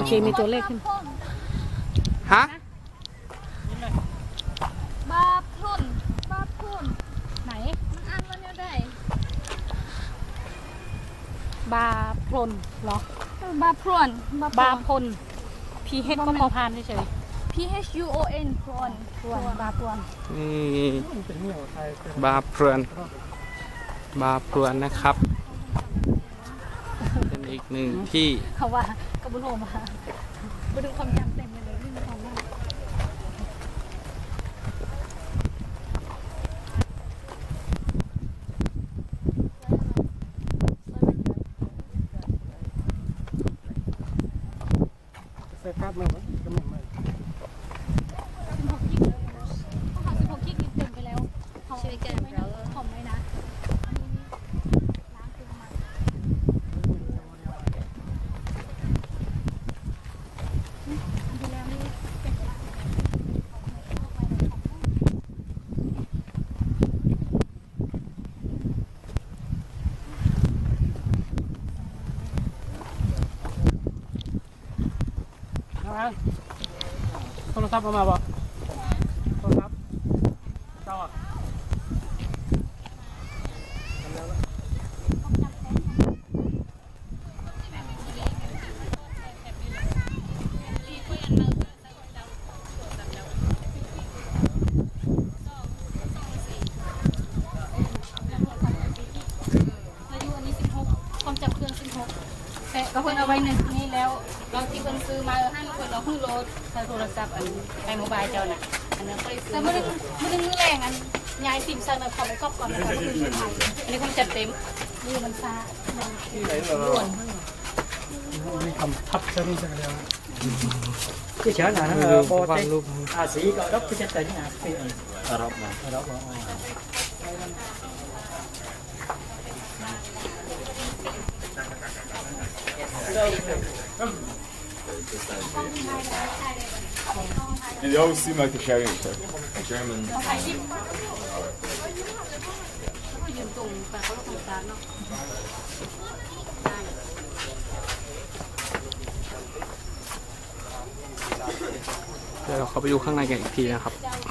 เคมีตัวเลขขึ้นฮะบาพรุนไหนมันอ่านว่าเนี่ยได้บาพลนเหรอบาพรวนบาพล PH ก็พอพานเฉย PHUON พรวนพวนบาพวนนี่บาเพลินนะครับ เป็นอีกหนึ่งที่เขาว่ากระบุนโฮมาไปดูความจำเต็มเลยไม่มีความว่าใส่ภาพมาไหมก็ไม่ไม่ 16 กิกเต็มไปแล้วเขาช่วยแก้เราคอมไหมนะโทรศัพท์เอามาบ่โทรศัพท์เจ้าอ่ะความจำเครื่อง16แต่ก็เพิ่นเอาไว้หนึ่งนี่แล้วเราที่เพิ่นซื้อมาให้เพิ่นเราเพิ่งโหลดใช้โทรศัพท์อันไอโมบายเจ้าน่ะอันนั้นก็เลยซื้อแต่ไม่ได้มือแรงอันยายซิมซันขอไปครอบก่อนนะคะก็คือไทยอันนี้คงจัดเต็มนี่มันซาที่ไหนเหรอมีคำทับเส้นจังเลยที่เช้าหน่ะนะโปรเจกต์สีก็รับที่จะแต่งงานที่รับมา And they always seem like they're shouting at each other. German. เดี๋ยวเราเข้าไปดูข้างในกันอีกทีนะครับ